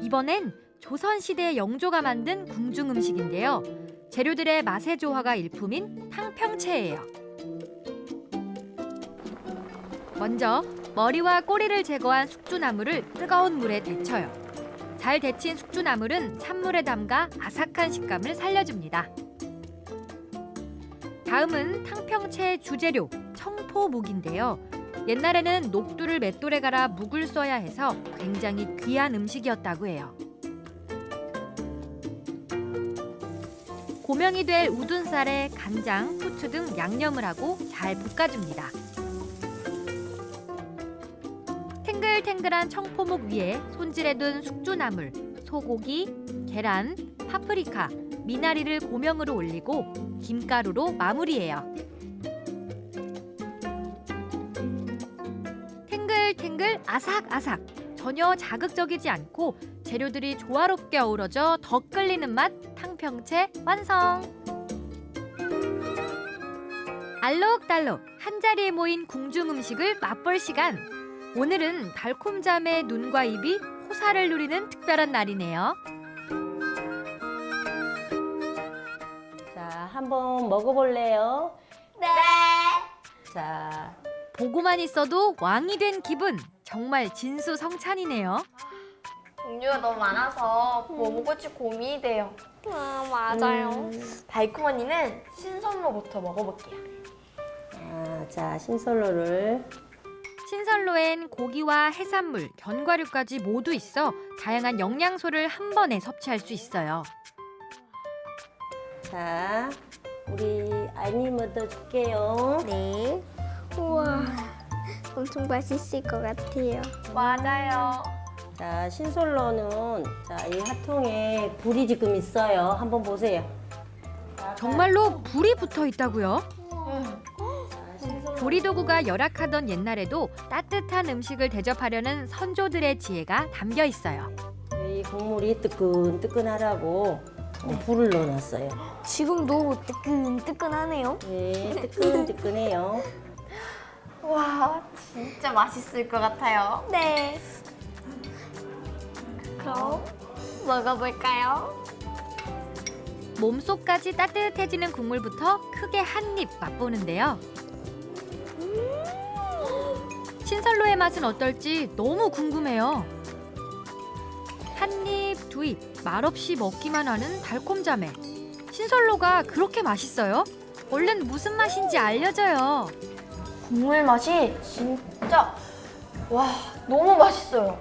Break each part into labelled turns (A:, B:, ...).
A: 이번엔 조선시대 영조가 만든 궁중 음식인데요. 재료들의 맛의 조화가 일품인 탕평채예요. 먼저 머리와 꼬리를 제거한 숙주나물을 뜨거운 물에 데쳐요. 잘 데친 숙주나물은 찬물에 담가 아삭한 식감을 살려줍니다. 다음은 탕평채의 주재료, 청포묵인데요. 옛날에는 녹두를 맷돌에 갈아 묵을 써야 해서 굉장히 귀한 음식이었다고 해요. 고명이 될 우둔살에 간장, 후추 등 양념을 하고 잘 볶아줍니다. 탱글탱글한 청포묵 위에 손질해둔 숙주나물, 소고기, 계란, 파프리카, 미나리를 고명으로 올리고 김가루로 마무리해요. 탱글탱글 아삭아삭, 전혀 자극적이지 않고 재료들이 조화롭게 어우러져 더 끌리는 맛 탕평채 완성! 알록달록 한자리에 모인 궁중 음식을 맛볼 시간! 오늘은 달콤잠의 눈과 입이 호사를 누리는 특별한 날이네요.
B: 자, 한번 먹어볼래요?
C: 네.
B: 자,
A: 보고만 있어도 왕이 된 기분! 정말 진수성찬이네요.
C: 종류가 너무 많아서 뭐 먹을지 고민이 돼요. 맞아요. 달콤 언니는 신선로부터 먹어볼게요.
B: 자, 신선로를.
A: 신선로엔 고기와 해산물, 견과류까지 모두 있어 다양한 영양소를 한 번에 섭취할 수 있어요.
B: 자, 우리 아이니 먼저 줄게요.
D: 네. 우와, 엄청 맛있을 것 같아요.
C: 맞아요.
B: 자, 신선로는 자, 이 화통에 불이 지금 있어요. 한번 보세요.
A: 정말로 불이 붙어 있다고요?
B: 자, 신선로.
A: 조리도구가 열악하던 옛날에도 따뜻한 음식을 대접하려는 선조들의 지혜가 담겨 있어요.
B: 이 국물이 뜨끈뜨끈하라고 불을 넣어놨어요.
D: 지금도 뜨끈뜨끈하네요.
B: 네, 뜨끈뜨끈해요.
C: 와, 진짜 맛있을 것 같아요.
D: 네. 그럼 먹어볼까요?
A: 몸속까지 따뜻해지는 국물부터 크게 한 입 맛보는데요. 신선로의 맛은 어떨지 너무 궁금해요. 한 입, 두 입, 말없이 먹기만 하는 달콤자매. 신선로가 그렇게 맛있어요? 얼른 무슨 맛인지 알려줘요.
C: 국물 맛이 진짜 와, 너무 맛있어요.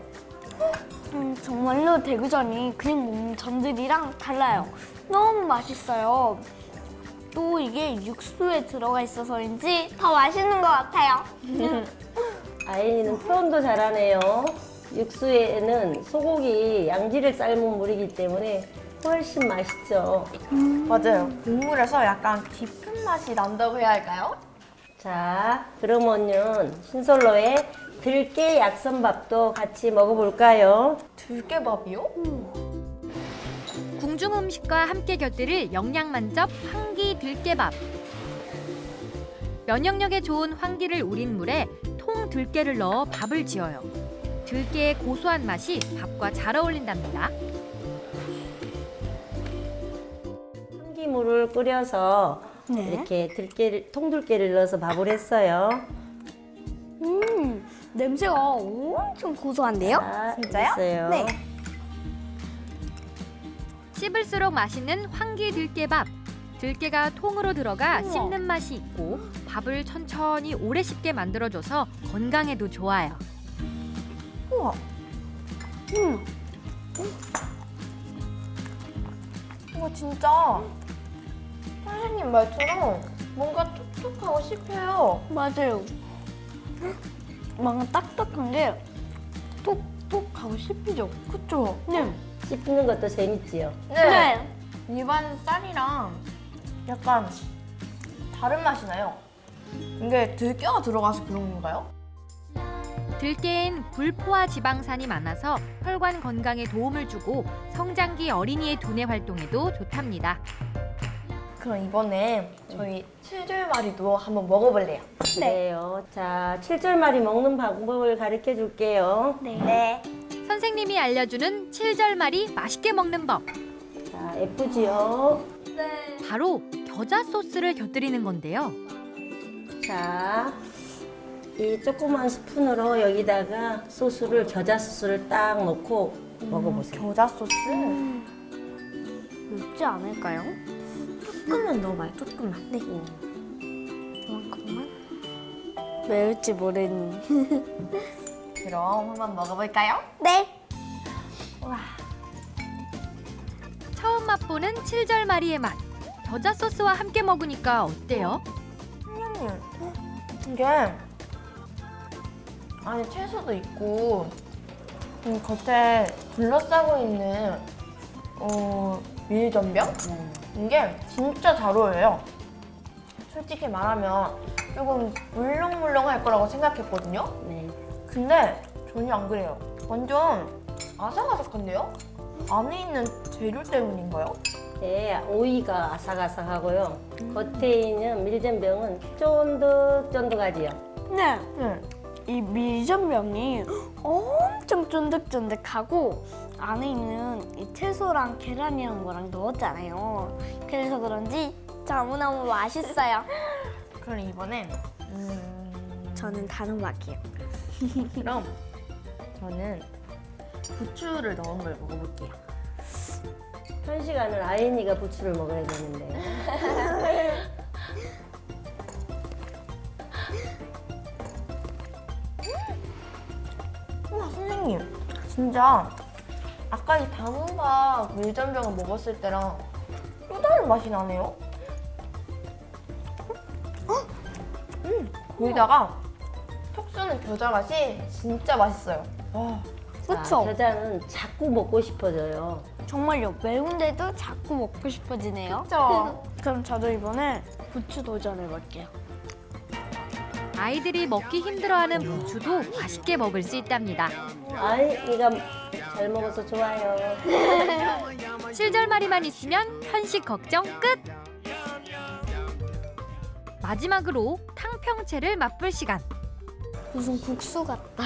D: 정말로 대구전이 그냥 먹는 전들이랑 달라요. 너무 맛있어요. 또 이게 육수에 들어가 있어서인지 더 맛있는 것 같아요.
B: 아이니는 표현도 잘하네요. 육수에는 소고기 양지를 삶은 물이기 때문에 훨씬 맛있죠.
C: 맞아요. 국물에서 약간 깊은 맛이 난다고 해야 할까요?
B: 자, 그러면은 신선로에 들깨 약선밥도 같이 먹어볼까요?
C: 들깨밥이요?
A: 궁중 음식과 함께 곁들일 영양 만점 황기 들깨밥. 면역력에 좋은 황기를 우린 물에 통 들깨를 넣어 밥을 지어요. 들깨의 고소한 맛이 밥과 잘 어울린답니다.
B: 참기물을 끓여서 이렇게 통들깨를 넣어서 밥을 했어요.
D: 냄새가 엄청 고소한데요?
B: 자,
C: 진짜요?
B: 됐어요.
D: 네.
A: 씹을수록 맛있는 황기 들깨밥. 들깨가 통으로 들어가 씹는 맛이 있고 밥을 천천히 오래 씹게 만들어줘서 건강에도 좋아요.
C: 우와. 우와, 진짜 선생님 말처럼 뭔가 촉촉하고 씹혀요.
D: 맞아요. 뭔가 딱딱한 게 톡톡하고 씹히죠?
C: 그쵸?
D: 네.
B: 씹는 것도 재밌지요.
C: 네. 일반 쌀이랑 약간 다른 맛이 나요. 이게 들깨가 들어가서 그런 건가요?
A: 들깨엔 불포화 지방산이 많아서 혈관 건강에 도움을 주고 성장기 어린이의 두뇌 활동에도 좋답니다.
C: 그럼 이번에 저희 칠절마리도 한번 먹어볼래요.
B: 그래요. 자, 칠절마리 먹는 방법을 가르쳐 줄게요.
C: 네.
A: 선생님이 알려주는 칠절말이 맛있게 먹는 법.
B: 자, 예쁘지요?
A: 바로 겨자 소스를 곁들이는 건데요.
B: 자, 이 조그만 스푼으로 여기다가 소스를 겨자 소스를 딱 넣고 먹어보세요.
C: 겨자 소스?
D: 맵지 않을까요?
C: 조금만 넣어봐요, 조금만. 네.
D: 이만큼만? 매울지 모르니.
C: 그럼 한번 먹어볼까요?
D: 네.
A: 처음 맛보는 칠절말이의 맛. 겨자 소스와 함께 먹으니까 어때요?
C: 이게 안에 채소도 있고 겉에 둘러싸고 있는 밀전병? 이게 진짜 잘 어울려요. 솔직히 말하면 조금 물렁물렁할 거라고 생각했거든요.
B: 네.
C: 근데 전혀 안 그래요. 완전 아삭아삭한데요? 안에 있는 재료 때문인가요?
B: 네, 오이가 아삭아삭하고요. 겉에 있는 밀전병은 쫀득쫀득하지요.
D: 네.
C: 네.
D: 이 밀전병이 엄청 쫀득쫀득하고 안에 있는 이 채소랑 계란이랑 거랑 넣었잖아요. 그래서 그런지 너무너무 맛있어요.
C: 그럼 이번엔
D: 저는 다른 맛이에요.
C: 그럼 저는 부추를 넣은 걸 먹어볼게요.
B: 현시간은 아이니가 부추를 먹어야 되는데.
C: 우와 선생님, 진짜 아까 이 단호박 밀전병을 먹었을 때랑 또 다른 맛이 나네요. 거기다가 톡 쏘는 겨자 맛이 진짜 맛있어요. 와,
B: 자,
D: 그쵸?
B: 겨자는 자꾸 먹고 싶어져요.
D: 정말요. 매운데도 자꾸 먹고 싶어지네요.
C: 진짜.
D: 그럼 저도 이번에 부추 도전해볼게요.
A: 아이들이 먹기 힘들어하는 부추도 맛있게 먹을 수 있답니다.
B: 아이니가 잘 먹어서 좋아요.
A: 칠절말이만 있으면 편식 걱정 끝! 마지막으로 탕평채를 맛볼 시간.
D: 무슨 국수 같다.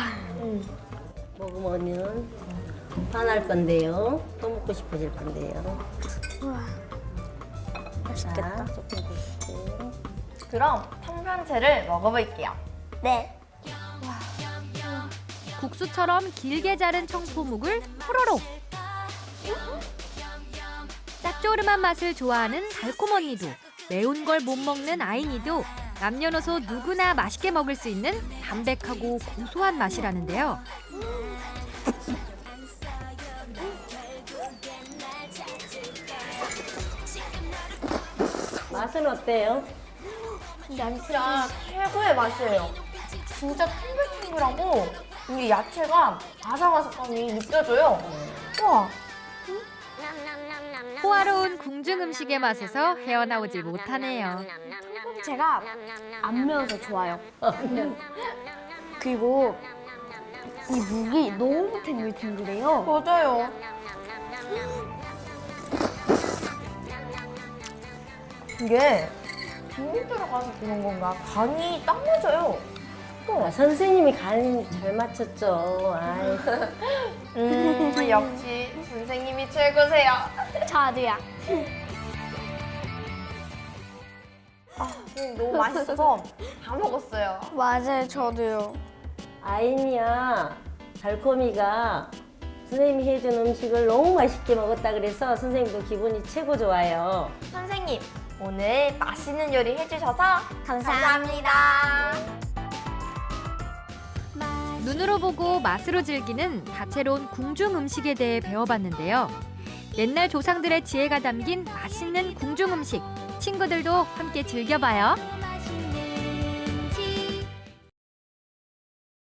B: 먹으면 화날 건데요. 또 먹고 싶어질 건데요.
D: 우와,
B: 맛있겠다. 조금 드세요.
C: 그럼 탕평채를 먹어볼게요.
D: 네.
A: 국수처럼 길게 자른 청포묵을 호로록. 짭조름한 맛을 좋아하는 달콤 언니도, 매운 걸 못 먹는 아이니도 남녀노소 누구나 맛있게 먹을 수 있는 담백하고 고소한 맛이라는데요.
B: 맛은 어때요?
C: 진짜 최고의 맛이에요. 진짜 탱글탱글하고 이 야채가 아삭아삭함이 느껴져요. 우와.
A: 호화로운 궁중 음식의 맛에서 헤어나오질 못하네요.
D: 제가 안 매워서 좋아요. 그리고 이 무기 너무 탱글탱글해요.
C: 맞아요. 이게 비밀 들어가서 그런 건가? 간이 딱 맞아요.
B: 아, 선생님이 간 잘 맞췄죠. 아이.
C: 역시 선생님이 최고세요.
D: 저도요.
C: 선생님 너무 맛있어서 다 먹었어요.
D: 맞아요, 저도요.
B: 아이니야, 달콤이가 선생님이 해준 음식을 너무 맛있게 먹었다 그래서 선생님도 기분이 최고 좋아요.
C: 선생님, 오늘 맛있는 요리 해주셔서 감사합니다.
A: 눈으로 보고 맛으로 즐기는 다채로운 궁중 음식에 대해 배워봤는데요. 옛날 조상들의 지혜가 담긴 맛있는 궁중 음식, 친구들도 함께 즐겨봐요.